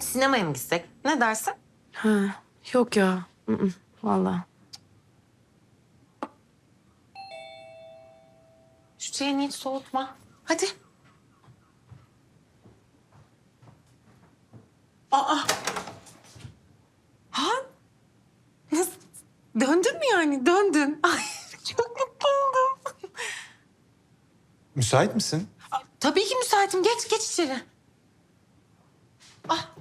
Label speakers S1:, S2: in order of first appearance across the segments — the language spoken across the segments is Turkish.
S1: sinemaya mı gitsek? Ne dersin?
S2: Ha, yok ya. Vallahi.
S1: Şu çayını hiç soğutma. Hadi. Aa. Ha? Nasıl? Döndün mü yani? Döndün. Ay çok mutlu oldum.
S3: Müsait misin?
S1: Tabii ki müsaitim. Geç içeri. Ah.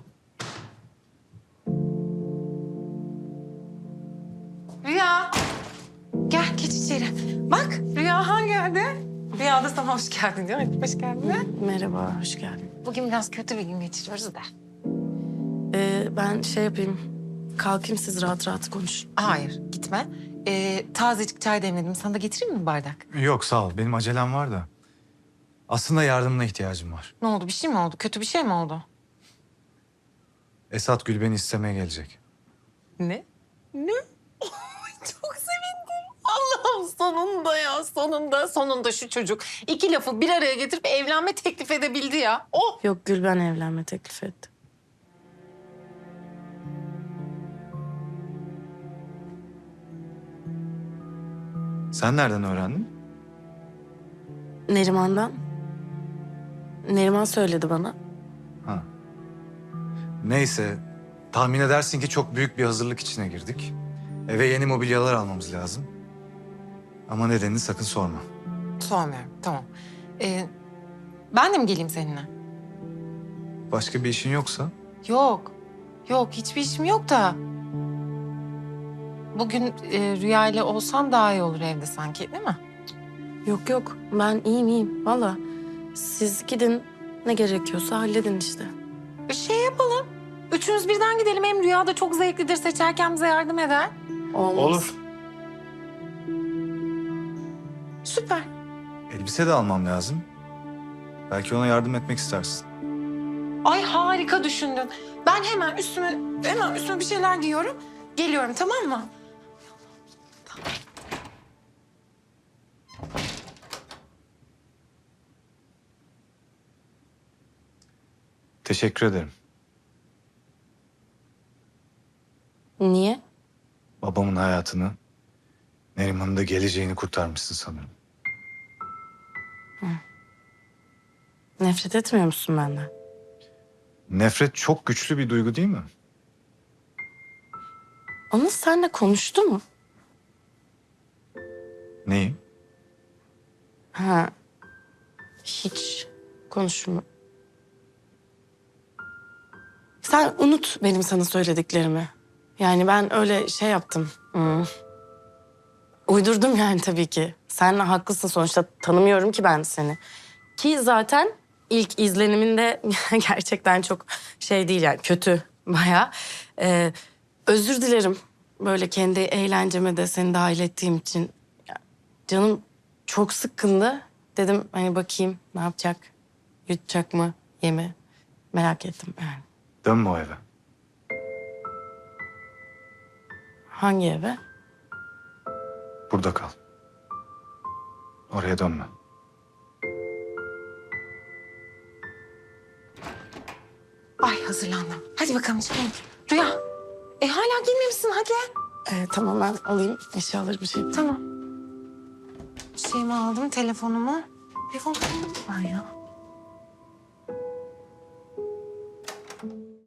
S1: Rüya. Gel geç içeri. Bak Rüya Han geldi. Rüya da sana hoş geldin diyor. Hadi hoş geldin.
S2: Merhaba, hoş geldin.
S1: Bugün biraz kötü bir gün geçiriyoruz da.
S2: Ben şey yapayım. Kalkayım, siz rahat rahat konuşun.
S1: Hayır gitme. Tazecik çay demledim. Sana da getireyim mi bir bardak?
S3: Yok sağ ol. Benim acelem var da. Aslında yardımına ihtiyacım var.
S1: Ne oldu? Bir şey mi oldu? Kötü bir şey mi oldu?
S3: Esat Gül beni istemeye gelecek.
S1: Ne? Ne? Ay, çok sevindim. Allah'ım sonunda ya sonunda şu çocuk iki lafı bir araya getirip evlenme teklif edebildi ya. Oh!
S2: Yok, Gül ben evlenme teklif ettim.
S3: Sen nereden öğrendin?
S2: Neriman'dan. Neriman söyledi bana.
S3: Ha. Neyse. Tahmin edersin ki çok büyük bir hazırlık içine girdik. Eve yeni mobilyalar almamız lazım. Ama nedenini sakın sorma.
S1: Sormuyorum tamam. Ben de mi geleyim seninle?
S3: Başka bir işin yoksa?
S1: Yok. Yok hiçbir işim yok da. Bugün Rüya ile olsam daha iyi olur evde sanki değil mi?
S2: Yok, ben iyiyim. Vallahi siz gidin, ne gerekiyorsa halledin işte.
S1: Şey yapalım. Üçümüz birden gidelim. Hem Rüya da çok zevklidir. Seçerken bize yardım eder.
S2: Olmaz.
S1: Süper.
S3: Elbise de almam lazım. Belki ona yardım etmek istersin.
S1: Ay harika düşündün. Ben hemen üstüme bir şeyler giyiyorum. Geliyorum tamam mı?
S3: Teşekkür ederim.
S2: Niye?
S3: Babamın hayatını, Neriman'ın da geleceğini kurtarmışsın sanırım.
S2: Nefret etmiyor musun benden?
S3: Nefret çok güçlü bir duygu değil mi?
S2: Anıl seninle konuştu mu?
S3: Neyi?
S2: Ha, hiç konuşma. Sen unut benim sana söylediklerimi. Yani ben öyle şey yaptım. Uydurdum yani tabii ki. Sen haklısın sonuçta, tanımıyorum ki ben seni. Ki zaten ilk izleniminde gerçekten çok şey değil yani, kötü bayağı. Özür dilerim böyle kendi eğlenceme de seni dahil ettiğim için. Ya, canım çok sıkkındı. Dedim hani bakayım ne yapacak, yutacak mı, yemi merak ettim yani.
S3: Dönme o eve.
S2: Hangi eve?
S3: Burada kal. Oraya dönme.
S1: Ay hazırlandım. Hadi bakalım çıkalım. Rüya. Hala giymemişsin hadi.
S2: Tamam ben alayım eşyaları bir şey.
S1: Tamam. Şeyimi aldım telefonumu. Telefonumu aldım ben ya.